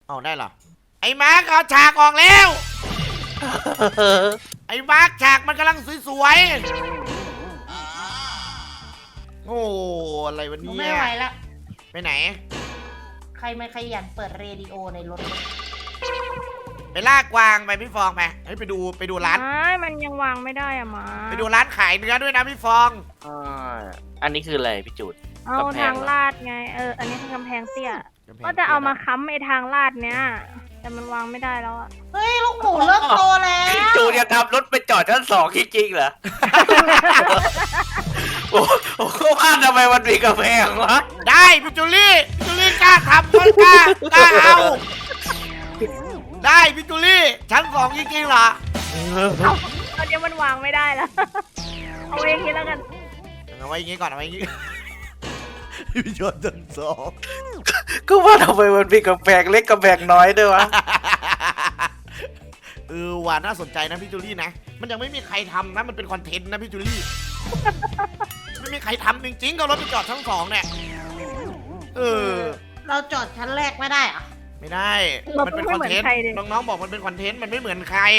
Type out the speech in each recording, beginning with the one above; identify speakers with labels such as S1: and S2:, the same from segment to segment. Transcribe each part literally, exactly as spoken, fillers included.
S1: เอาได้เหรอไอ้มาร์คเอาฉากออกแล้วไอ้มาร์คฉากมันกำลังสวยๆโอ้อะไรวันนี้
S2: ไม่ไหวละ
S1: ไปไหน
S2: ใครไม่ขยันเปิดเรดิโอในรถ
S1: ไปลากกวางไปพี่ฟองไปเฮ้ยไปดูไปดูร้าน
S3: ไม่มันยังวางไม่ได้อะมา
S1: ไปดูร้านขายเนื้อด้วยนะพี่ฟอง
S4: อ่าอันนี้คืออะไรพี่จูด
S3: เอา
S4: กำแพง
S3: ทางลาดไงเอออันนี้คือกำแพงเตี้ยก็จะเอามาค้ำไอ้ทางลาดเนี้ยแต่มันวางไม่ได้แล้วอะ
S2: เฮ้ยลูกหมูเริ่มโตแล้ว
S4: พี่จูดจะทำรถไปจอดชั้นสองจริงๆเหรอ โอ้โหว่าทำไมมันมีกำแพงวะ
S1: ได้พี่จูลี่พี่จูลี่กล้าทำก็กล้ากล้าเอาได้พี่จูลี่ชั้นสองจริงๆเหรอ
S3: เอาตอนนี้มันวางไม่ได้แล้ว เอาเองนี้แล้วกัน
S1: เอาไว้อย่างงี้ก่อนเอาไว้อย่างงี้พี่ชนชั้นสอง
S4: ก็ว่าทำไมมันมีกำแพงเล็กกำแพงน้อยด้วยวะ
S1: เออว่าน่าสนใจนะพี่จูลี่นะมันยังไม่มีใครทำนะมันเป็นคอนเทนต์นะพี่จูลี่ไม่มีใครทำจริงๆก็รถไปจอดชั้นสองเนี่ยเออ
S2: เราจอดชั้นแรกไม่ได้เหรอะ
S1: ไม่ได้มันเป็นคอนเทนต์น้องๆบอกมันเป็นคอนเทนต์มันไม่เหมือนใคร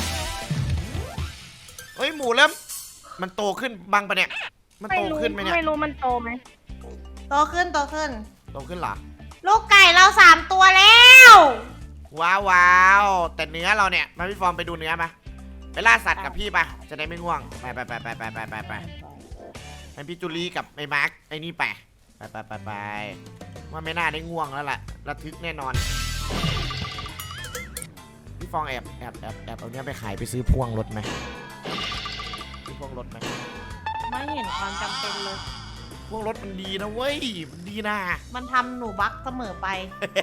S1: เฮ้ยหมูเริ่มมันโตขึ้นบังปะเนี่ยมัน
S3: ไม่
S1: โต
S3: รู้
S1: ขึ้นไหมเนี่ย
S3: ไม่รู้มันโตไหม
S2: โตขึ้นโตขึ้น
S1: โตขึ้นเหรอ
S2: ลูกไก่เราสามตัวแล้ว
S1: ว้าวว้าวแต่เนื้อเราเนี่ยมาพี่ฟอร์มไปดูเนื้อมาไปล่าสัตว์กับพี่ปะจะได้ไม่ง่วงไปไปไปไปไปไปไปไปให้พี่จูลี่กับไอ้มาร์คไอ้นี่ไปไปไปไปไปว่าไม่น่าได้ง่วงแล้วล่ะระทึกแน่นอนพี่ฟองแอบแอบแอบแอบเอาเนี้ยไปขายไปซื้อพ่วงรถไหมซื้อพ่วงรถไหม
S2: ไม่เห็นความจำเป็นเลย
S1: พ่วงรถมันดีนะเว้ยมันดีนะ
S2: มันทำหนูบักเสมอไป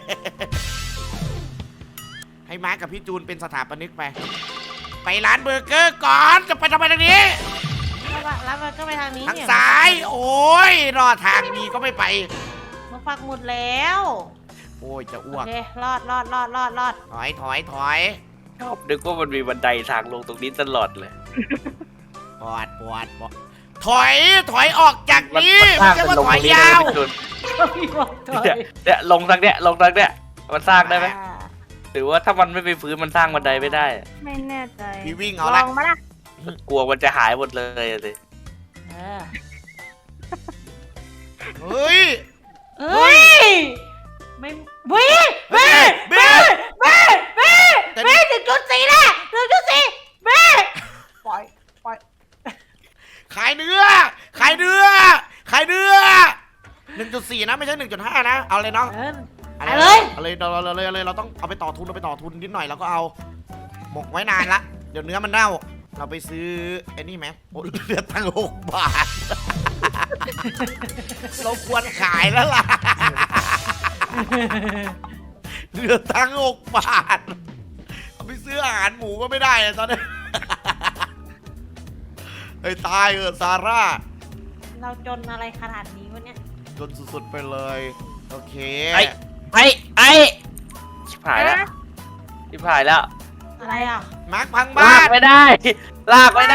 S1: ให้มาร์คกับพี่จูนเป็นสถาปนิกไป ไปร้านเบอร์เกอร์ก่อนจะไปทำไมทางนี้
S2: แล้วก็แล้วมันก็ไปทางนี้
S1: ทาง
S2: เนี่ย
S1: ซ้าย โอ้ยรอดทางนี้ก็ไม่ไป
S2: มันปักหมุดแล้ว
S1: โอ้ยจะอ้
S2: โอ
S1: วก
S2: เครอดรอดรอดรอดรอด
S1: ถอยถอยถอย
S4: ชอบนึกว่ามันมีบันไดทางลงตรงนี้ตลอดเลย
S1: ปอดปอดปอดถอยถอยออกจาก
S4: มัน
S1: นี้
S4: มัน
S1: ไม่
S4: สร้าง
S1: ใช่
S4: เป็น
S1: ว่า
S4: ลง
S1: ถ
S4: ต
S1: อ
S4: ร
S1: ย
S4: งนี้ได้
S1: ยาว
S4: ไหมพี่จูน
S2: พี่บอกถอย
S4: เนี่ยเนี่ยลงทางเนี้ยลงทางเนี้ยมันสร้างได้ไหมหรือว่าถ้ามันไม่ไปฟื้นมันสร้างบันไดไม่ได้
S3: ไม่แน่ใจ
S1: พี่วิ่งเอา
S3: ล
S1: ละ
S3: องมาละ
S4: กลัวมันจะหายหมดเลยอะสิ
S2: เออ
S1: เฮ้ย
S2: เฮ้ยไม่เว้ยเว้ย
S1: เบ้
S2: เว้ยเว้ยเว้ยหนึ่งจุดสี่แล้วหนึ่งจุดสี่เว้ยปล่อยปล่อย
S1: ขายเนื้อขายเนื้อขายเนื้อหนึ่งจุดสี่นะไม่ใช่หนึ่งจุดห้านะเอาเลยน้อง
S2: เออ
S1: เอา
S2: เอาเลย
S1: เอาเลยเราเราเลยเอาเลยเราต้องเอาไปต่อทุนเราไปต่อทุนนิดหน่อยแล้วก็เอาหมกไว้นานละเดี๋ยวเนื้อมันเน่าเราไปซื้อไอ้นี่ไหมโอ้เหลือตังค์หกบาท เราควรขายแล้วล่ะ เหลือตังค์หกบาทเอาไปซื้ออาหารหมูก็ไม่ได้เลยตอนนี้ ไอ้ตายเออซาร่า
S2: เราจนอะไรขนาดนี้วะเนี่ย
S1: จนสุดๆไปเลยโอเค
S4: ไอ้ไอ้ไอ้ชิบหายแล้วชิบหายแล้ว
S2: อะไรอ่ะ
S1: มาร์คพัง
S4: ลา
S1: บ้าก น
S4: ไม่ได้ ลากไม่ได้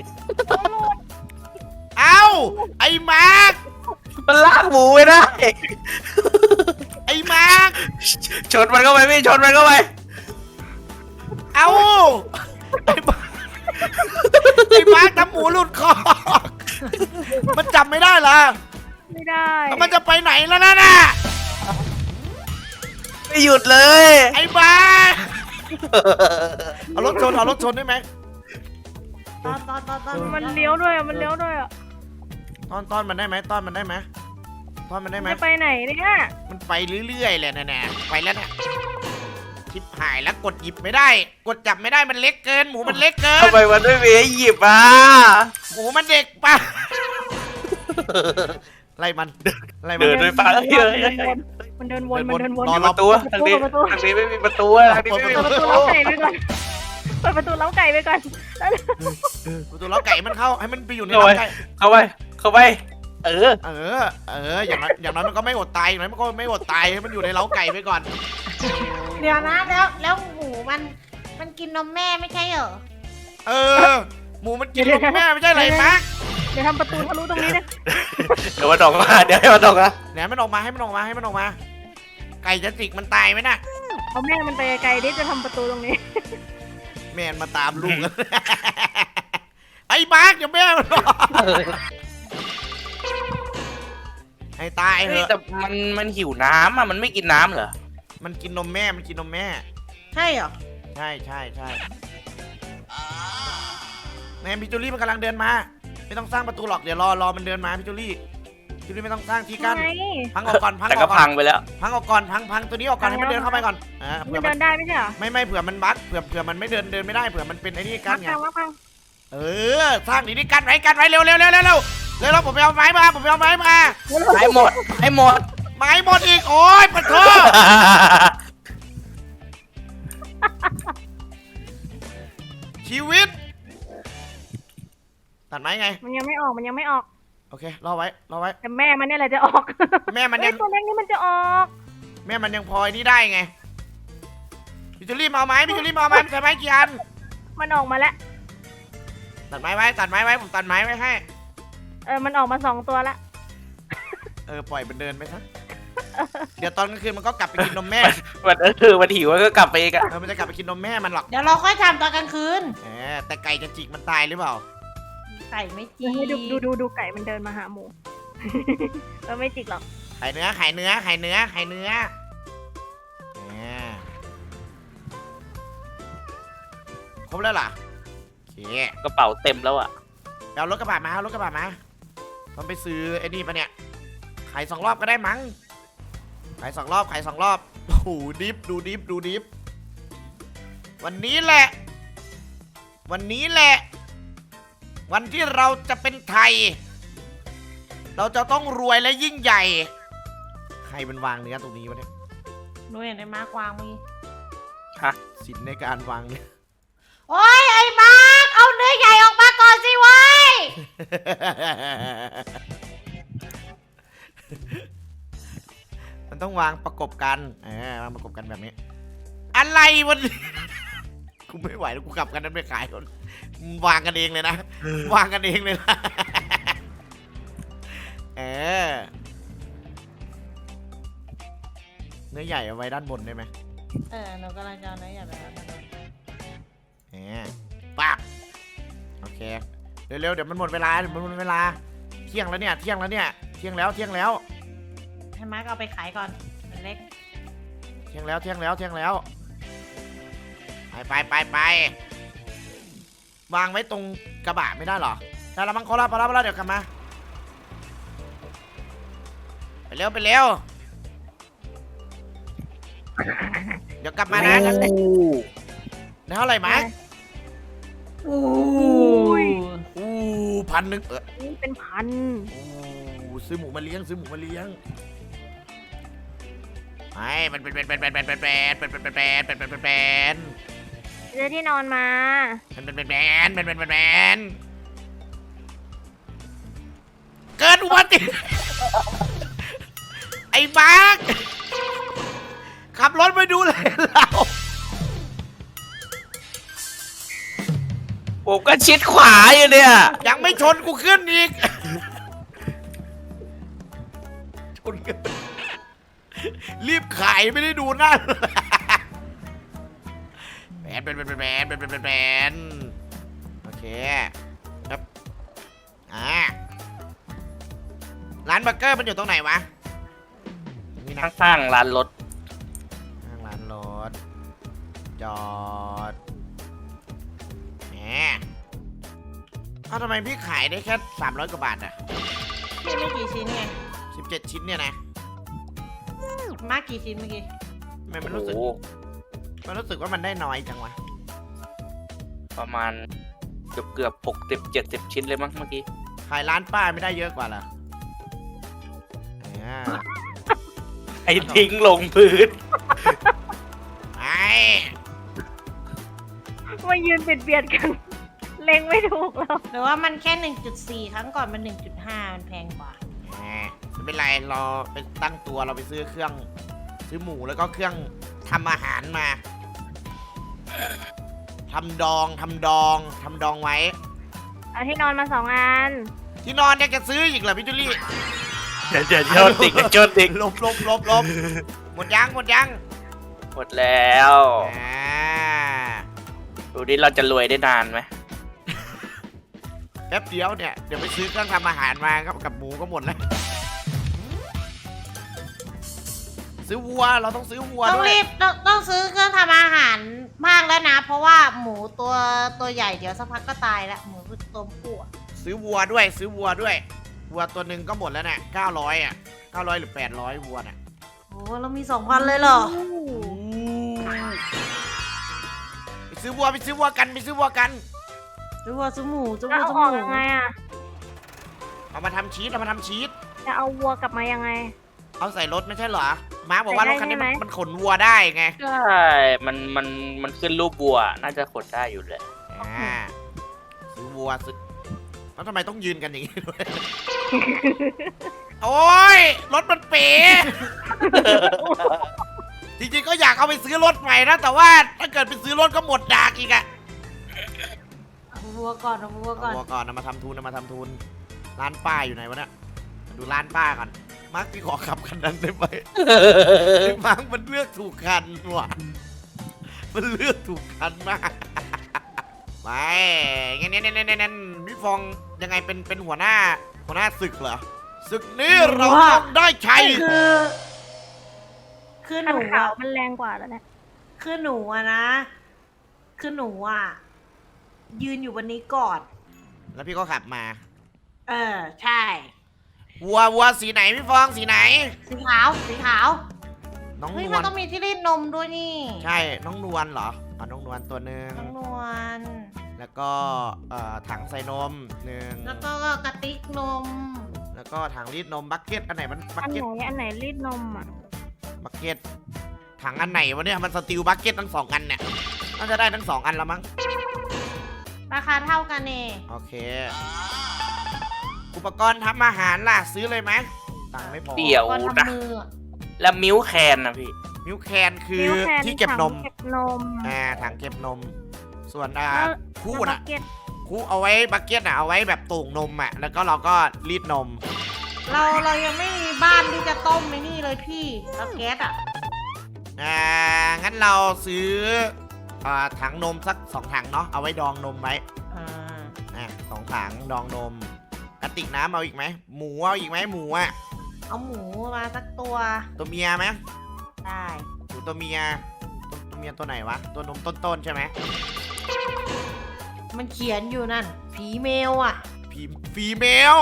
S1: เอ้าไอ้มาร์ค
S4: มันลากหมูไม่ได้
S1: ไอ้มาร์ค
S4: ชนมันเข้าไปพี่ชนมันเข้าไป
S1: เอ้าไอ้มาร์คไอ้มาร์คทำหมูหลุดคอกมันจับไม่ได้เหรอ
S3: ไม่ได้
S1: แล้วมันจะไปไหนแล้วนั่นน่ะ
S4: ไม่หยุดเลย
S1: ไอ้มาร์คเอารถชนเอารถชนได้ไหม
S2: ตอนตอนตอนตอน
S3: มันเลี้ยวด้วยอะมันเลี้ยวด้วยอะ
S1: ต้อนต้อนมันได้ไหมต้อนมันได้ไหมต้อนมันได้ไหม
S3: จะไปไหนเนี่ย
S1: มันไปเรื่อยๆเลยนะเนี่ยไปแล้วเนี่ยชิบหายแล้วกดหยิบไม่ได้ กดจับไม่ได้มันเล็กเกิน หมูมันเล็กเกิน
S4: ทำไมมันไม่มีให้หยิบอ่ะ
S1: หมูมันเด็กปะไล่มันไล่มัน
S4: เดินด้วยปากเฮ้ย
S3: มันเดินวนมันเดินวน
S1: รอ
S4: มีประตูทางนี้ทางนี้ไม่มีประตูทางนี้ไม่มี
S3: เปิด
S4: ป
S3: ประ ระ
S4: ตู
S3: ตูเล้าไก่ไปก่อนเปิดประตูเล้าไก่ไปก่อน
S1: ประตูล้าไก่มันเข้าให้มันไปอยู่ในล้าไก่
S4: เข้าไปเข้าไปเออ
S1: เออเอออย่างนั้นอย่างนั้นมันก็ไม่อดตายอย่างนั้นมันก็ไม่อดตายให้มันอยู่ในเล้าไก่ไปก่อน
S2: เดี๋ยวนะแล้วแล้วหมูมันมันกินนมแม่ไม่ใช่เหรอ
S1: เออหมูมันกินนมแม่ไม่ใช่ไรมั้ง
S3: เดี๋ยวทำประตูทะลุตรงนี้นะ
S4: เดี๋ยวมันออกมาเดี๋ยวให้มันออกมา
S1: เนี่ยมันออกมาให้มันออกมาให้มันออกมา ไก่จะจิกมันตายไหมน่ะ
S3: เอาแม่มันไปไกลๆดิจะทำประตูตรงนี้
S1: แม่มาตามลูก ไอ้มาร์กอย่าแม่มันหรอกให้ตายเถ
S4: เฮ้ย
S1: อะ
S4: แต่มันมันหิวน้ำอ่ะมันไม่กินน้ำเหรอ
S1: มันกินนมแม่มันกินนมแม่
S2: ใช่เหรอ
S1: ใช่ใช่ใช่แม่พี่จูลี่มันกำลังเดินมา ไม่ต้องสร้างประตูหรอกเดี๋ยวรอรอมันเดินมาพี่จูลี่พี่จูลี่ไม่ต้องสร้างที่กั้น
S3: ไง
S1: พังออกก่อนพัง
S4: แต่
S1: อ
S4: ก็
S1: อกก่
S4: พั
S1: อน
S4: งไปแล้ว
S1: พังออกก่อนพังพังตัวนี้ออกก่อนให้มันเดินเข้าไปก่อนอ่า
S3: มั
S1: เผื่อน มั
S3: เดิ
S1: น
S3: นได้ไม่ใช่เหรอ
S1: ไม่ไม่เผื่อมันบั๊กเผื่อเผื่อมันไม่เดินเดินไม่ได้เผื่อมันเป็นไอ้นี่กั้นไง
S3: พังพัง
S1: เออสร้างดีนี่กั้นไว้กั้นไว้เร็วเร็วเร็วเร็วเร็วเร็วเร็วผมไปเอาไม้มาผมไปเอาไม้มา
S4: ให้หมดให้หมด
S1: ไม้หมดอีกโอ้ยปะโถชีวิตตัดไม้ไง
S3: มันยังไม่ออกมันยังไม่ออก
S1: โอเครอไว้รอไว้
S3: แต่แม่มันเนี่ยแหละจะออก
S1: แม่มันยัง
S3: เฮ้ยตัวเล็กนี่มันจะออก
S1: แม่มันยังพลอยนี่ได้ไงพี่จูลี่มาเอาไม้พี่จูลี่มาเอาไม้ใช้ไม้กี่อัน
S3: มันออกมาแล้ว
S1: ตัดไม้ไว้ตัดไม้ไว้ผมตัดไม้ไว้ให้
S3: เออมันออกมาสองตัวละ
S1: เออปล่อยมันเดินไปซะเดี๋ยวตอนกลางคืนมันก็กลับไปกินนมแม่
S4: มันเออมันหิวก็กลับไปอีกอะ
S1: เออมันจะกลับไปกินนมแม่มันหรอก
S2: เดี๋ยวเราค่อยทำตอนกลางคืน
S1: แหมแต่ไก่จะจิกมันตายหรือเปล่า
S2: ไก่ไม่จี
S3: ให้ดูดูดูดูไก่มันเดินมาหาหมู เออไม่จิกหรอก
S1: ไข่เนื้อไข่เนื้อไข่เนื้อไข่เนื้อแหมครบแล้วเหรอโอเค
S4: กระเป๋าเต็มแล้วอ่ะ
S1: เอารถกระบะมาเอารถกระบะมาต้องไปซื้อไอ้นี่ปะเนี่ยขายสองรอบก็ได้มั้งขายสองรอบขายสองรอบโอ้โหดิฟดูดิฟดูดิฟวันนี้แหละ วันนี้แหละ วันที่เราจะเป็นไทย เราจะต้องรวยและยิ่งใหญ่ ใครเป็นวางเนื้อตรงนี้วะเนี่ย
S2: หนูเห็นไอ้มาร์กวางเมื่อกี้
S1: สินในการวางเนื้อ
S2: โอ้ยไอ้มาร์กเอาเนื้อใหญ่ออกมาก่อนสิเว้ย
S1: มันต้องวางประกบกันเออวางประกบกันแบบนี้ อะไรวันนี้ กูไม่ไหวแล้วกูกลับกันนั้นไปขายคนวางกันเองเลยนะ วางกันเองเลยนะ เออเนื้อใหญ่เอาไว้ด้านบนได้ไหม
S2: เออหนูกำลังจะเอาเนื้อใหญ่ไปทำมัน
S1: เออปั๊บโอเค เร็วๆเดี๋ยวมันหมดเวลาเดี๋ยวมันหมดเวลา เที่ยงแล้วเนี่ยเที่ยงแล้วเนี่ยเที่ยงแล้วเที่ยงแล้ว
S2: ให้มาร์กเอาไปขายก่อนมันเล็ก
S1: เที่ยงแล้วเที่ยงแล้วเที่ยงแล้ว ไปไปไปไปวางไว้ตรงกระบะไม่ได้หรอได้แล้วมั้งเขารับพอรับพอรับเดี๋ยวกลับมาไปเร็วไปเร็วเดี๋ยวกลับมานะได้เท่าไหร่ไหม
S2: อู้
S3: ย
S1: อู้พันหนึ่งเออ
S3: นี่เป็นพัน
S1: อู้ซื้อหมูมาเลี้ยงซื้อหมูมาเลี้ยงไอ้มันเป็นเป็นเป็นเป็นเป็นเป็นเป็นเป็นเป็นเป็นเป็นเป็นเป็นเป็น
S3: เจอที่นอนมา
S1: มันเป็นเป็นเป็นเป็นเป็นเป็นเป็นเกิดอุบัติเหตุไอ้มาร์คขับรถไปดูเลยเรา
S4: ผมก็ชิดขวาอยู่เนี่ย
S1: ยังไม่ชนกูขึ้นอีกชนกันรีบขายไม่ได้ดูหน้าแบนเป็นเป็นเป็นเป็นเป็นเป็นเป็นโอเคครับอ่าร้านเบอร์เกอร์มันอยู่ตรงไหนวะนี่นะ
S4: ข้างๆร้านรถ
S1: ข้างร้านรถจอดแหมเอ้าทำไมพี่ขายได้แค่สามร้อยกว่าบาทอะ
S2: พี่ไม่กี่ชิ้นไง
S1: สิบเจ็ดชิ้นเนี่ยนะ
S2: มาร์กกี่ชิ้นเมื่อกี้
S1: ทำไมมันรู้สึก
S4: โอ้โห
S1: มันรู้สึกว่ามันได้น้อยจังวะ
S4: ประมาณเกือบเกือบหกสิบเจ็ดสิบชิ้นเลยมั้งเมื่อกี้
S1: ขายร้านป้าไม่ได้เยอะกว่าเหรออ่า
S4: ไอ้ทิ้งลงพื้น
S1: ไอ้
S3: มายืนเบียดเบียดกัน เล็งไม่ถูกแล้ว
S2: หรือว่ามันแค่ หนึ่งจุดสี่ ครั้งก่อนมัน หนึ่งจุดห้า มันแพงกว่า
S1: แหมไม่เป็นไรเราไปตั้งตัวเราไปซื้อเครื่อง ซื้อหมูแล้วก็เครื่องทำอาหารมาทำดองทำดองทำดองไว้
S3: เอาที่นอนมาสองอัน
S1: ที่นอนเนี่ยจะซื้ออีกเหรอพี่จุลี่
S4: เดี๋ยวเดี๋ยวโจนติกเดี๋ยวโจนติก
S1: ลบลบลบลบหมดยังหมดยัง
S4: หมดแล้ว
S1: อ่า
S4: ดูดิเราจะรวยได้นานไหม
S1: แป๊บเดียวเนี่ยเดี๋ยวไปซื้อเครื่องทำอาหารมากับกับหมูก็หมดแล้วซื้อวัวเราต้องซื้อวัว
S2: ต้อง
S1: ด้วย
S2: รีบต้องต้องซื้อเครื่องทำอาหารมากแล้วนะ เพราะว่าหมูตัวตัวใหญ่เดี๋ยวสักพักก็ตายแล้วหมูตัวผู้อะ
S1: ซื้อวัวด้วยซื้อวัวด้วยวัวตัวหนึ่งก็หมดแล้วเนี่ยเก้าร้อยอ่ะเก้าร้อยหรือแปดร้อยวัวเนี่ย
S2: โอ้เรามีสองพันเลยเหรอ
S1: ไปซื้อวัวไปซื้อวัวกันไปซื้อวัวกัน
S2: ซื้อวัวซื้อหมูซื้อ
S3: จะ
S2: วัว
S3: เอา
S2: ซื้อ
S3: อ
S2: ห
S3: อก
S2: มู
S3: ยังไงอ่ะ
S1: เอามาทำชีสเอามาทำชีส
S3: จะเอาวัวกลับมายังไง
S1: เอาใส่รถไม่ใช่เหรอม้าบอกว่ารถคันนี้มัน
S3: ใส่ได้ใช่ไหม
S1: มันขนวัวได้ไง
S4: ใช่ มันมันมันขึ้นรูปบัว น่าจะขดได้อยู่เลย
S1: อ่าซื้อวัวซื้อแล้วทำไมต้องยืนกันอย่างนี้ด้วย โอ้ยรถมันเป๋ จริงๆก็อยากเอาไปซื้อรถใหม่นะแต่ว่าถ้าเกิดไปซื้อรถก็หมดดากอีกอะ
S2: เอาวัวก่อนเอาวัวก่อน
S1: เอาวัวก่อนเอามาทำทุนเอามาทำทุนร้านป้าอยู่ไหนวะเนี่ยดูร้านป้าก่อนมาร์คพี่ขอขับคันนั้นได้ไหม มาร์คมันเลือกถูกคันว่ะมันเลือกถูกคันมาก ไม่งั้นงั้นงั้นงั้นพี่ฟองยังไงเป็นเป็นหัวหน้าหัวหน้าศึกเหรอศึกนี้เราต้องได้ชัย
S2: คือคือห
S3: คัน
S2: นู
S3: ขาว
S2: อะ
S3: มันแรงกว่าแล้วเนี่ย
S2: คือหนูอะนะ คือหนูอะยืนอยู่บนนี้ก่อน
S1: แล้วพี่ก็ขับมา
S2: เออ ใช่
S1: วัววัวสีไหนพี่ฟองสีไหน
S2: สีขาวสีขาว
S1: น้อง
S2: เฮ้ย
S1: น
S2: มั
S1: วน ล
S2: ต้องมีที่รีดนมด้วยนี่
S1: ใช่น้องนวลเหรออ๋อน้องนวลตัวหนึ่ง
S2: น้องนวล
S1: แล้วก็เอ่อถังใส่นมหนึ่ง
S2: แล้วก็กระติกนม
S1: แล้วก็ถังรีดนมบักเก็ตอันไหนมันบั
S3: อั
S1: ก
S3: น
S1: เก็ต
S3: ไหนอันไหนรีดนมอ่ะ
S1: บักเก็ตถังอันไหนวะเนี่ยมันสตีลบักเก็ตทั้งสองอันเนี่ยน่าจะได้ทั้งสองอันแล้วมั้ง
S2: ราคาเท่ากันเอง
S1: โอเค อุปกรณ์ทำอาหารล่ะซื้อเลยไหมตังค์ไม่พอ
S4: เดี๋ยว
S2: ก่อน
S4: นะ
S2: ทำมืออะ
S4: แล้วมิลค์แคนนะพี่
S1: มิลค์แคนคือ
S3: มิลค์แคน
S1: ที่เก็บนม
S3: ถังเก็บนม
S1: อ่าถังเก็บนม ส่วนอ่า
S3: แล้ว
S1: คู่
S3: แล้ว
S1: น่ะ
S3: บักเก็ต
S1: คู่เอาไว้บักเก็ตอ่ะเอาไว้แบบตุ่งนมอ่ะแล้วก็เราก็รีดนม
S2: เราเรายังไม่มีบ้านที่จะต้มไอ้นี่เลยพี่เตาแก๊สอ่ะ
S1: อ่างั้นเราซื้ออ่าถังนมสักสองถังเนาะเอาไว้ดองนมไว้
S2: อ่า
S1: อ่ะสองถังดองนมกระติกน้ำเอาอีกไหมหมูเอาอีกไหมหมูอ่ะ
S2: เอาหมูมาสักตัว
S1: ตัวเมียไหม
S2: ได้
S1: หรือตัวเมียตัวตัวเมียตัวไหนวะตัวนมต้นๆใช่ไหม
S2: มันเขียนอยู่นั่น ผีเมลอ่ะ
S1: ผีฟีเมล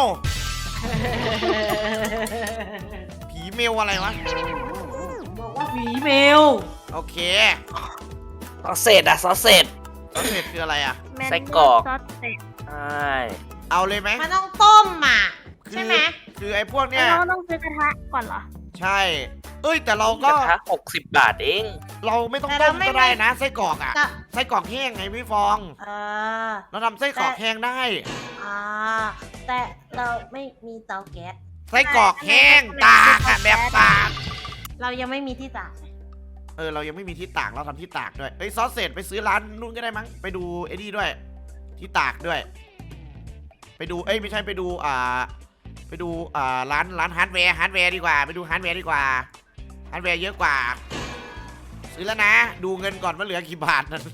S1: ผีเมลอะไรวะ
S2: บอกว่าผีเมล
S1: โอเค
S4: ซอสเศษอะซอสเศษ
S1: แล้วเสร็จคืออะไรอ่ะ
S3: แมน
S4: ไส้กรอก
S3: ซอสเสร็จ
S4: ใช่
S1: เอาเลยไหม
S2: มันต้องต้มอ่ะ
S1: คือ
S2: ใช่ไหม
S1: คือไอ้พวกเนี้
S3: แล้ว
S1: ย
S3: เราต้องซื้อกระทะก่อนเหรอ
S1: ใช่ เอ้ยแต่เรา
S4: ก
S1: ก็
S4: ระทะหกสิบบาทเอง
S1: เราไม่ต้องต้มก็ได้นะไส้กรอกอ่ะ
S2: จะ
S1: ไส้กรอกแห้งไงพี่ฟอง
S2: เออ
S1: เราทำไส้กรอกแห้งได้
S2: อ่าแต่เราไม่มีเตาแก๊ส
S1: ไส้กรอกแห้งตากอะแบบตาก
S2: เรายังไม่มีที่ตาก
S1: เออเรายังไม่มีที่ตากเราทำที่ตากด้วยเอ้ยซอสเสร็จไปซื้อร้านนู้นก็ได้มั้งไปดูไอ้นี่ด้วย ที่ตากด้วย ไปดูเอ้ยไม่ใช่ไปดูอ่าไปดูอ่าร้านร้านฮาร์ดแวร์ฮาร์ดแวร์ดีกว่าไปดูฮาร์ดแวร์ดีกว่าฮาร์ดแวร์เยอะกว่า ซื้อแล้วนะ ดูเงินก่อนว่าเหลือกี่บาทนั่น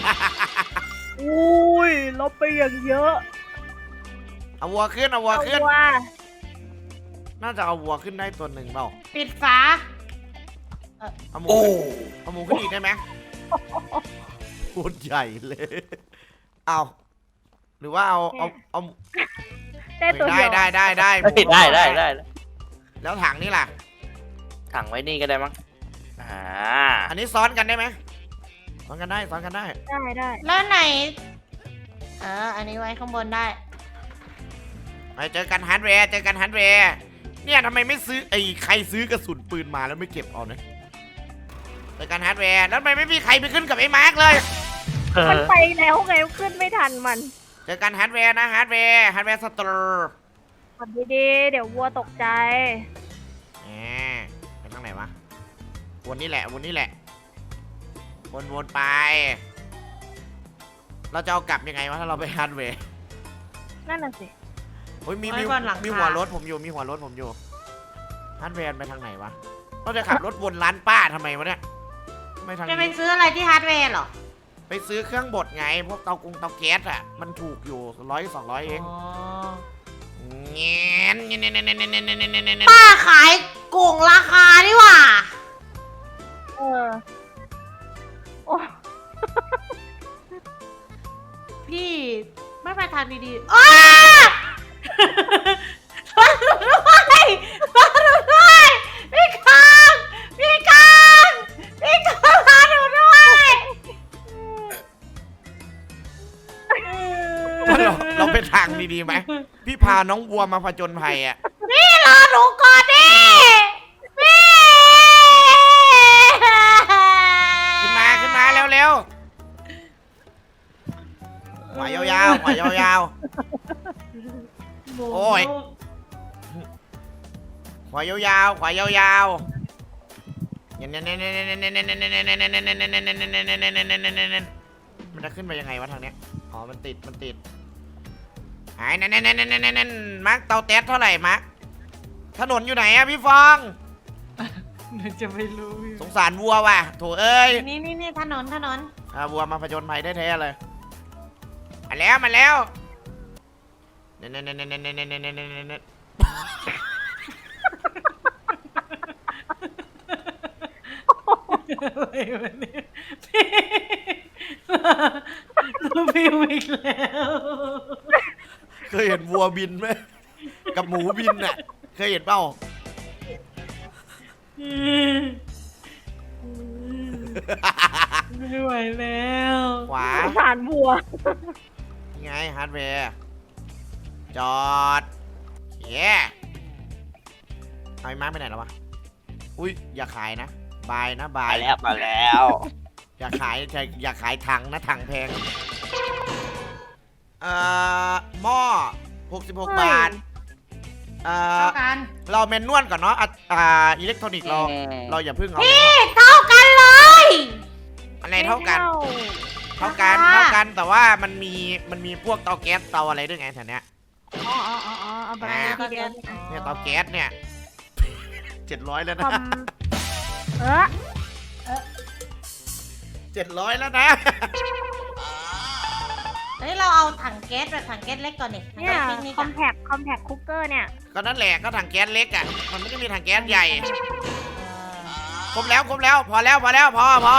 S3: อุ้ยลบไปอย่างเยอะ
S1: เอาวัวขึ้นเอาวัว
S3: เอา
S1: ขึ้น
S3: ว่า
S1: น่าจะเอาวัวขึ้นได้ตัวหนึ่งเปล่า
S2: ปิดฝา
S1: เอาหมู
S4: โอ้
S1: ขึ้นเอาหมูขึ้นอีกได้ไหมโคตรใหญ่เลย เอาหรือว่าเอาเอาเอา
S3: ได้ตัว
S1: ได้
S3: เดียว
S1: ได้ได้ได้หมู
S4: เฮ้ยได้ได้ได้
S1: แล้วถังนี่ล่ะ
S4: ถังไว้นี่ก็ได้มั้งอ่า
S1: อันนี้ซ้อนกันได้ไหมซ้อนกันได้ซ้อนกันได้
S3: ได้ได้
S2: แล้วไหน เออ อันนี้ไว้ข้างบนได้
S1: ไปเจอกันฮาร์ดแวร์เจอกันฮาร์ดแวร์เนี่ยทำไมไม่ซื้อไอ้ใครซื้อกระสุนปืนมาแล้วไม่เก็บเอาเนี่ยเจอกันฮาร์ดแวร์แล้วทำไมไม่มีใครไปขึ้นกับไอ้มาร์กเลย
S3: มันไปแล้วไงขึ้นไม่ทันมัน
S1: เจอกันฮาร์ดแวร์นะฮาร์ดแวร์ฮาร์ดแวร์สตอร์
S3: กดดีๆเดี๋ยววัวตกใจ
S1: แหมไปทางไหนวะวนนี่แหละวนนี่แหละวนวนไป เราจะเอากลับยังไงวะถ้าเราไปฮาร์ดแวร์
S3: นั่นน่ะสิ
S1: โอ้ยมี
S2: ไว้
S1: มี
S2: ก่อนหลังคามี
S1: มีหัวรถผมอยู่มีหัวรถผมอยู่ฮาร์ดแวร์ไปทางไหนวะเราจะขับรถวนร้านป้าทำไมวะเนี่ยไม่ทาง
S2: จะไป
S1: นี้
S2: ซื้ออะไรที่ฮาร์ดแวร์เหรอ
S1: ไปซื้อเครื่องบดไง พวกเตากงเตาแก๊สอ่ะ มันถูกอยู่ร้อยสองร้อยเอง
S2: อ๋อ
S1: เงี้ยเงี้ยเงี้ยเงี้ยเงี้ยเงี้ยเงี้ยเงี้ยเงี้ย
S2: ป้าขายโกงราคาดีกว่า
S3: เออ โอ้
S2: พี่ไม่ไปทางดีๆอ้ามาหนูด้วยมาหนูด้วยพี่คางพี่คางพี่คางมาหนูด้วย
S1: เราเราไปทางดีๆไหม พี่พาน้องวัวมาผจญภัยอ่ะ
S2: พี่รอหนูก่อนดิพี่
S1: ขึ้นมาขึ้นมาเร็วๆขวายาวๆขวายาวๆ โอ้ย ขวายาวๆขวายาวๆเนี่ยเนี่ยเนี่ยเนี่ยเนี่ยเนี่ยเนี่ยเนี่ยเนี่ยเนี่ยเนี่ยเนี่ยเนี่ยมันจะขึ้นไปยังไงวะทางเนี้ย อ๋อ มันติด มันติดไอ้นั่นนั่นนั่นนั่นนั่นมาร์คเตาแต๊สเท่าไหร่มาร์คถนนอยู่ไหนอะพี่ฟอง
S2: หนูจะไม่รู้
S1: สงสารวัวว่ะโถเอ้ย
S2: นี่นี่นี่ถนนถนน
S1: อ่าวัวมาผจญภัยได้แท้เลยมาแล้วมาแล้วเนี่ยเนี่ยเนี่ยเนี่ยเนี่ยเนี่ยเนี่ยเนี่ย
S2: อะไรวะเนี่ยพี่เราพิวอีกแล้ว
S1: เคยเห็นวัวบินไหมกับหมูบินน่ะเคยเห็นเปล่า
S2: ไม่ไหวแล้ว
S1: ขวา
S3: สงสารบัว
S1: ไงฮาร์ดแวร์จอดเย้เอาไอ้มาร์คไปไหนแล้ววะอุ้ยอย่าขายนะบายนะบา
S4: มาย แล้วมาแล้ว
S1: อย่าขายอย่าอย่าขายถังนะถังแพงเอ่อหม้อหกสิบหก
S3: เฮ้ย
S1: บาทเอ่อ
S2: เท่ากัน
S1: เราเมนนวลก่อนเนาะอ่ะอ่าอิเล็กทรอนิกส์เราเราอย่าเพิ่งเอา
S2: พี่เท่ากันเลย
S1: อะไรเท่ากัน
S3: ไม่
S1: เท่ากัน
S2: ราคา
S1: เท่ากันแต่ว่ามันมีมันมีพวกเตาแก๊สเตาอะไรด้วยไงแถวเนี้ย
S3: อ๋ออ๋ออ๋ออ๋อเอาไปเลยทีเดียว
S1: เนี่ยเตาแก๊สเนี่ยเจ็ดร้อยแล้ว
S3: คอ
S1: นะ
S3: มเออ
S1: เจ็ดร้อยแล้วนะ
S2: เฮ้ยเราเอาถังแก๊สแบบถังแก๊สเล็กก่อนดิถัง
S3: เนี่ย
S2: แก๊สปิกนิก
S3: คอ
S2: อะ
S3: มแพคคอมแพคคุกเกอร์เนี่ย
S1: ก็นั่นแหละก็ถังแก๊สเล็กอ่ะมันไม่ได้มีถังแก๊สใหญ่
S2: เออ
S1: ครบแล้วครบแล้วพอแล้วพอแล้วพอพอ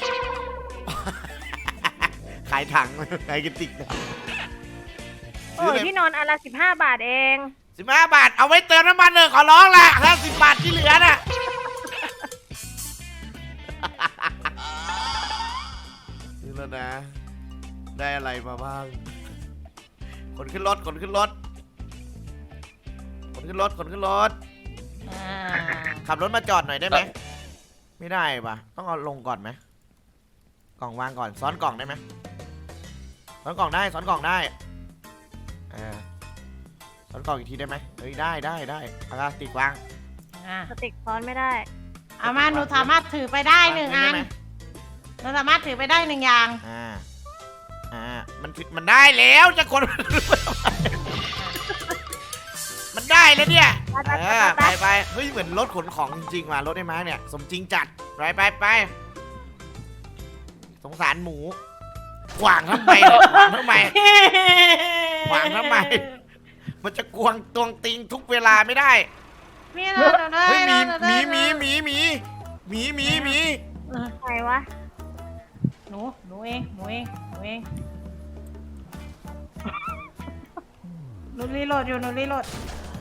S1: ขายถัง ขายกระติก
S3: โอ้ยที่นอนอันละสิบห้าบาทเอง
S1: สิบห้าบาทเอาไว้เติมน้ำมันเลยขอร้องละห้าสิบบาทที่เหลือน่ะ นี่แล้วนะ ได้อะไรมาบ้างขนขึ้นรถขนขึ้นรถขนขึ้นรถขนขึ้นรถ
S2: อ่า
S1: ขับรถมาจอดหน่อยได้ไหม ไม่ได้ปะต้องเอาลงก่อนไหมกล่องวางก่อนซ้อนกล่องได้ไหมซ้อนกล่องได้ซ้อนกล่องได้เออซ้อนกล่องอีกทีได้ไหมเฮ้ยได้ได้ได้เอาละติดวาง
S2: อ่า
S3: สติกซ้อนไม่ได้
S2: เอามาหนูสามารถถือไปได้หนึ่งอัน
S1: ได้ไหม
S2: หนูสามารถถือไปได้หนึ่งอย่าง
S1: อ่าอ่ามันถือมันได้แล้วจะกด มันได้แล้วเนี่ย
S3: ไป
S1: เอ
S3: ไป
S1: อ
S3: ไป
S1: ไปไปเฮ้ยเหมือนรถขนของจริงๆว่ะรถไอ้ม้าเนี่ยสมจริงจัดไปไปไปสงสารหมูขวางทำไมเนี่ยขวางทำไม ขวางทำไม มันจะกวงตวงติงทุกเวลาไม่ได้
S2: มีเราเราได้
S1: เฮ้ยหมี
S2: เรา
S1: ห
S2: ได้
S1: มีหมีหมีหมีหมีหมีหมี
S2: เออ
S3: ใครวะ
S2: หนูหนูเองหนูเองหนูเองหนูรีโหลดอยู่หนูรีโหลด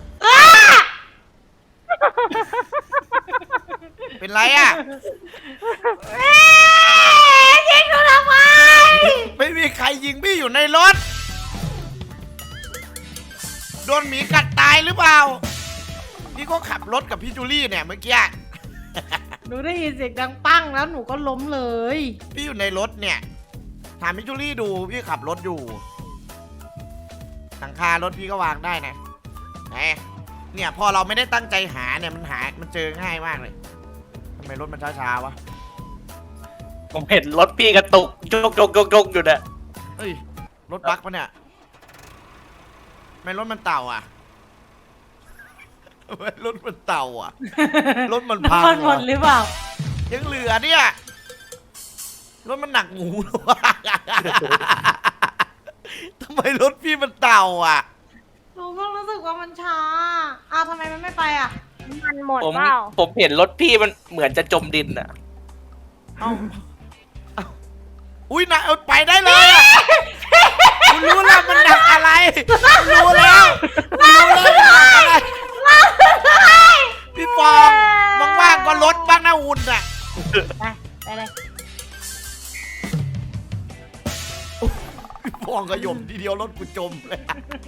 S1: เป็นไรอ่ะ
S2: เอ๊ะยิงหนูทำไม
S1: ไม่มีใครยิงพี่อยู่ในรถ โดนหมีกัดตายหรือเปล่า พี่ก็ขับรถกับพี่จูลี่เนี่ยเมื่อกี้
S2: หนูได้ยินเสียงดังปั้งแล้วหนูก็ล้มเลย
S1: พี่อยู่ในรถเนี่ย ถามพี่จูลี่ดูพี่ขับรถอยู่หลังคารถพี่ก็วางได้นะไหนเนี่ยพอเราไม่ได้ตั้งใจหาเนี่ยมันหา มันเจอง่ายมากเลยทำไมรถมันช้าๆวะ
S4: ผมเห็นรถพี่กระตุกโจกโจกโจกโจกอยู่เนี่ย
S1: เฮ้ยรถบั๊กปะเนี่ยทำไมรถมันเต่าอ่ะทำไมรถมันเต่าอ่ะ รถมันพัง
S2: น้ำมันหมดหรือเปล่า
S1: ยังเหลือเนี่ยรถมันหนักหมูเหรอวะ ทำไมรถพี่มันเต่าอ่ะ
S2: หนูก็รู้สึกว่ามันช้าอ้าวทำไมมันไม่ไปอ่ะ
S3: มันหมด
S4: ผม
S3: เปล่า
S4: ผมเห็นรถพี่มันเหมือนจะจมดินอะ
S1: เอ้าเอ้าอุ้ยนะเอาไปได้เลยอะคุณรู้แล้วมันหนักอะไรคุณรู้แล้วคุณรู้แล้วมันหนักอะไรพี่ฟองว่างๆก็ลดบ้างนะอุ่นอ่ะ
S2: ไปไปเลย
S1: พี่ฟองก็หย่มทีเดียวรถกูจมเลย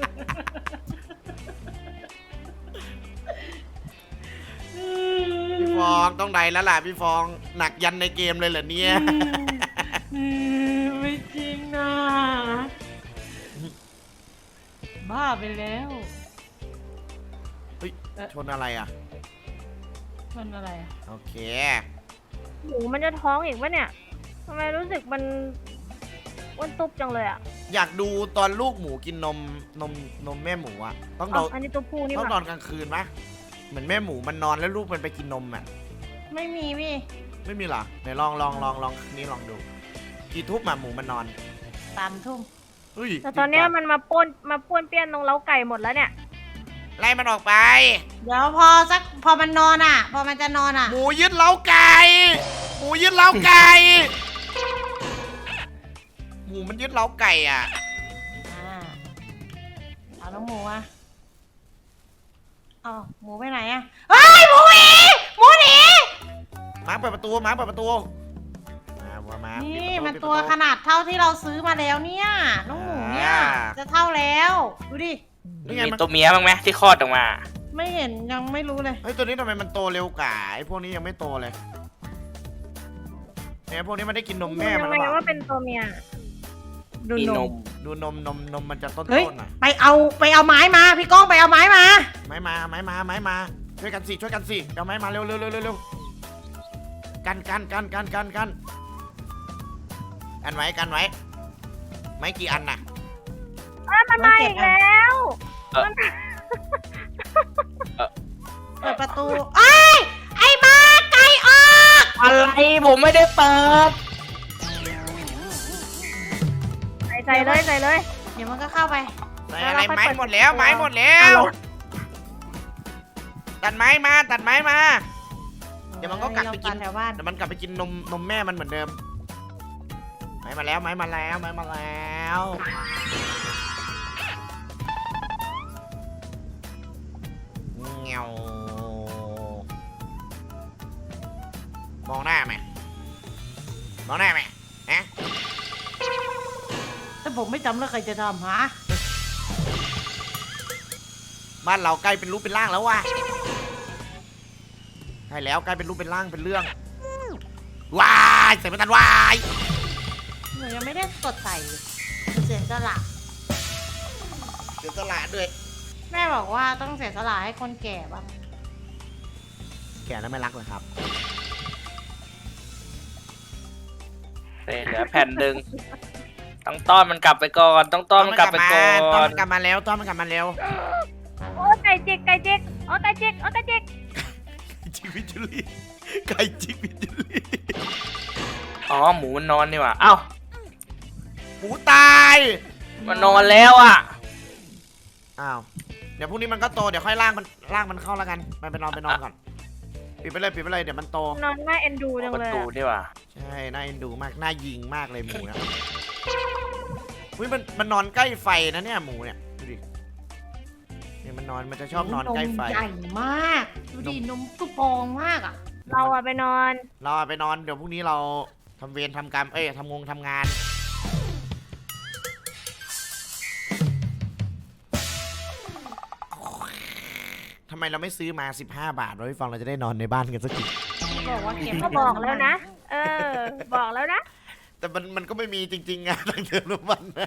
S1: พี่ฟองต้องใดแล้วล่ะพี่ฟองหนักยันในเกมเลยเหรอเนี่ย
S2: ไม่จริงนะบ้าไปแล้ว
S1: เฮ้ยชนอะไรอ่ะ
S2: มันอะไรอ่ะ
S1: โอเค
S3: หมูมันจะท้องอีกปะเนี่ยทำไมรู้สึกมันอ้วนตุบจังเลยอ่ะ
S1: อยากดูตอนลูกหมูกินนมนมนมแม่หมูอ่ะต้อง
S3: อ๋
S1: น
S3: อ
S1: อน
S3: อันนี้ตัวผู้นี่
S1: ต้อง
S3: ห
S1: นอ
S3: ว่าน
S1: กลางคืนปะเหมือนแม่หมูมันนอนแล้วลูกมันไปกินนมอ่ะ
S2: ไม่มีพี่
S1: ไม่มีเหรอไหนลองลองลองลองนี่ลองดูกี่ทุบหมาหมูมันนอน
S2: สามทุ่ม
S1: เฮ้ย
S3: แต่ตอนเนี้ยมันมาป้วนมาป้วนเปี้ยนตรงเล้าไก่หมดแล้วเนี่ย
S1: ไล่มันออกไป
S2: เดี๋ยวพอสักพอมันนอนอ่ะ พอมันจะนอนอ่ะ
S1: หมูยึดเล้าไก่หมูยึดเล้าไก่หมูมันยึดเล้าไก่อ่ะ
S2: อ่าเอาน้องหมูอ่ะเอาหมูไปไหนอ่ะเฮ้ยหมูหนีหมูหนี
S1: หมาเปิดประตูหมาเปิดประตูมาวัวมา
S2: นี่
S1: ปิดประ
S2: มัน
S1: ปิด
S2: ตัว
S1: ประ
S2: ขนาดเท่าที่เราซื้อมาแล้วเนี่ยน้องหมูเนี่ย
S1: อ่า
S2: จะเท่าแล้วดูดิ
S1: นี่ไง
S4: มี
S1: มัน
S4: ตัวเมียบ้างไหมที่คลอดออกมา
S2: ไม่เห็นยังไม่รู้เลย
S1: เฮ้ยตัวนี้ทำไมมันโตเร็วกว่าไอ้พวกนี้ยังไม่โตเลยเนี่ยพวกนี้มันได้กินนมแม่
S3: ดู
S1: มั
S3: ยั
S1: น
S3: ง
S1: หรือ
S3: ไง
S1: เปล่า
S3: ว่าเป็นตัวเมีย
S2: ดู
S4: มี
S2: น
S4: น
S2: ม
S4: ม
S1: ดูนมนมนมมันจะต้น
S2: เฮ้ย
S1: ๆหน่อย
S2: ไปเอาไปเอาไม้มาพี่ก้องไปเอาไม้มา
S1: ไม้มาไม้มาไม้มาช่วยกันสิช่วยกันสิเอาไม้มาเร็วเร็วเร็วเร็วเร็วกันกันกันกันกันกันกันไว้กันไว้ไม้กี่อันน่ะ
S3: อ้าวมันมาอีกแล้ว
S4: เอ่อ
S3: มัน
S2: เปิดประตูไอ้ยไอ้มาไก่ออก
S4: อะไรผมไม่ได้เปิด
S3: ใส่ใส่เลยใส่เลย
S2: เดี๋ยวมันก็เข้าไป
S1: ใส่อะไรไม้หมดแล้วไม้หมดแล้วตัดไม้มาตัดไม้มา เดี๋ยวมันก็กลับไปกิน
S2: แถวบ้าน
S1: เดี๋ยวมันกลับไปกินนมนมแม่มันเหมือนเดิมไม้มาแล้วไม้มาแล้วไม้มาแล้วเงี้ยวมองหน้าไหมมองหน้าไหมฮะ
S2: แต่ผมไม่จำแล้วใครจะทำฮะ
S1: บ้านเราใกล้เป็นรูปเป็นร่างแล้วว่ะใช่แล้วใกล้เป็นรูปเป็นร่างเป็นเรื่องวายใส่ไม่ทันวาย
S2: หนูยังไม่ได้กดใส่หนูเสียสละ
S1: เดี๋ยวตลาดด้วย
S2: แม่บอกว่าต้องเสียสละให้คนแก่บ้าง
S1: แกแล้วไม่รักเลยครับ
S4: เเหลือแผ่นหนึ่งต้องต้อนมันกลับไปก่อน ต้องต้อนมันกลับไปก่อ
S1: ต้อน
S4: น
S1: มันกลับมาแล้วต้อนมันกลับมาแล้ว
S3: โอ้ไก่จิกไก่จิกโอ้ไก่จิกโอ้ไก่จิก
S1: จิกวิจุลีไก่จิกวิจุลี
S4: อ๋อหมูมันนอนนี่หว่าเอ้า
S1: หมูตาย
S4: มันนอนแล้วอ่ะ
S1: อ้าวเดี๋ยวพรุ่งนี้มันก็โตเดี๋ยวค่อยล่างมันล่างมันเข้าแล้วกันมันไปนอนไปนอนก่อนปิดไปเลยปิดไปเลยเดี๋ยวมันโต
S3: นอนน่าเอ็นดูจัง
S4: ประ
S3: เลย
S4: ตู
S3: อะ
S4: นี่หว่า
S1: ใช่น่าเอ็นดูมากน่ายิงมากเลยหมูนะอุ้ยมันมันนอนใกล้ไฟนะเนี่ยหมูเนี่ยดูดิเนี่ยมันนอนมันจะชอบนอนใกล้ไฟ
S2: มใหญ่มาก ดูดินมตุปองมากอ่ะ
S3: เราอะไปนอน
S1: เราเอาไปนอนเดี๋ยวพรุ่งนี้เราทำเวรทำกรรมเอ้ยทำงงทำงานทำไมเราไม่ซื้อมาสิบห้าบาทเราพี่ฟังเราจะได้นอนในบ้านกันสักที
S2: บอกว่าเก็บ
S3: ก็บอกแล้วนะ เออ บอกแล้วนะ
S1: แต่มันมันก็ไม่มีจริงๆอะตั้งเดือนละวันนะ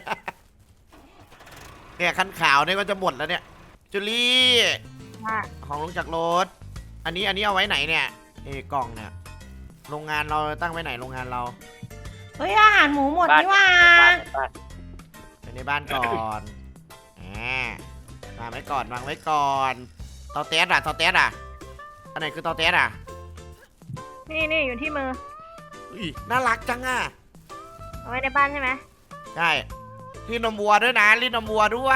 S1: เนี่ยคันขาวเนี่ยก็จะหมดแล้วเนี่ยจุลี่
S3: ว่า
S1: ของลงจากรถ อันนี้อันนี้เอาไว้ไหนเนี่ยเอกล่องเนี่ยโรงงานเราตั้งไว้ไหนโรงงานเรา
S2: เฮ้ยอาหารหมูหมด
S4: บ้าน
S2: นี่หว่า
S4: บ้านบ้าน
S1: ไปในบ้านก่อนแหมวางไว้ก่อนวางไว้ก่อนเตาแต๊ดอะเตาแต๊ดอะอันไหนคือเตาแต๊ดอะ
S3: นี่นี่อยู่ที่มือ
S1: อุ้ยน่ารักจังอะ
S3: เอาไว้ในบ้านใช่ไหม
S1: ใช่รีดนมวัวด้วยนะรีดนมวัวด้วย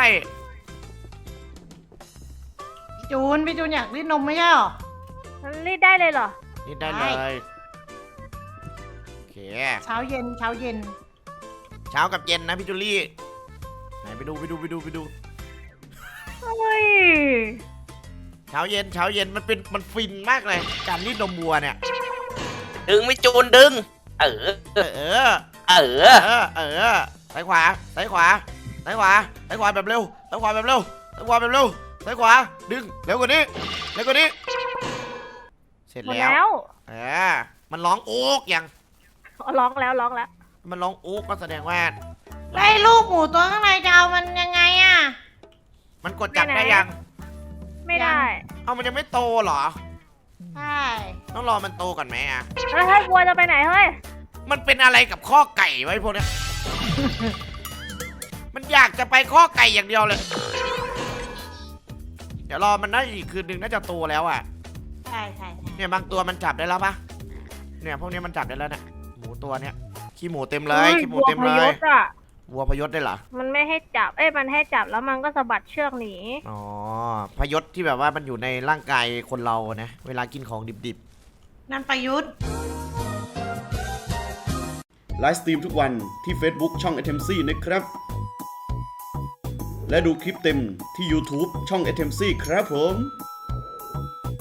S2: พี่จูนพี่จูนอยากรีดนมไม่ใช่หรอ
S3: มันรีดได้เลยเหรอ
S1: รีดได้เล
S2: ได้
S1: ยโอเค
S2: เช้าเย็นเช้าเย็น
S1: เช้ากับเย็นนะพี่จูลี่ไหนไปดูไปดูไปดูไปดู
S3: เฮ้ย
S1: เช้าเย็นเช้าเย็นมันเป็นมันฟินมากเลย การรีดนมวัวเนี่ย
S4: ดึงไม่จูนดึง เออ
S1: เออ
S4: เอ
S1: เอ
S4: อ
S1: อเออซ้ายขวาซ้ายขวาซ้ายขวาซ้ายขวาแบบเร็วซ้ายขวาแบบเร็วซ้ายขวาแบบเร็วซ้ายขวาดึงเร็วกว่านี้เร็วกว่านี้ เสร็จ
S3: หมด
S1: แล้ว
S3: แล้ว
S1: เออมันร้องโอ๊กยัง
S3: อ๋อร้องแล้วร้องแล้ว
S1: มันร้องโอ๊กก็แสดงว่า
S2: ไล่ลูกหมูตัวข้างในจะเอามันยังไงอะ
S1: มันกดจับได้ยัง
S3: ไม่ได้
S1: เอามันยังไม่โตเหรอ
S2: ใช่
S1: ต้องรอมันโตก่อนไหมอ่ะ
S3: แล้วถ้าวัวจะไปไหนเฮ้ย
S1: มันเป็นอะไรกับข้อไก่ไว้พวกเนี้ย มันอยากจะไปข้อไก่อย่างเดียวเลย เดี๋ยวรอมันน่าอีกคืนนึงน่าจะโตแล้วอ่ะ
S2: ใช่ใช่ใช่
S1: เนี่ยบางตัวมันจับได้แล้วปะเนี่ยพวกนี้มันจับได้แล้วเนี่ยหมูตัวเนี้ยขี้หมูเต็มเลยขี้หมูเต็มเล
S3: วัวย พยศอะ
S1: วัวพยศได้เหรอ
S3: มันไม่ให้จับ เอ้ยมันให้จับแล้วมันก็สะบัดเชือกหนี
S1: อ๋อพยศที่แบบว่ามันอยู่ในร่างกายคนเรานะเวลากินของดิบ
S2: นั่นประยุทธ์
S5: ไลฟ์สตรีมทุกวันที่ Facebook ช่อง เอ ที เอ็ม ซี นะครับ และดูคลิปเต็มที่ YouTube ช่อง เอ ที เอ็ม ซี ครับผม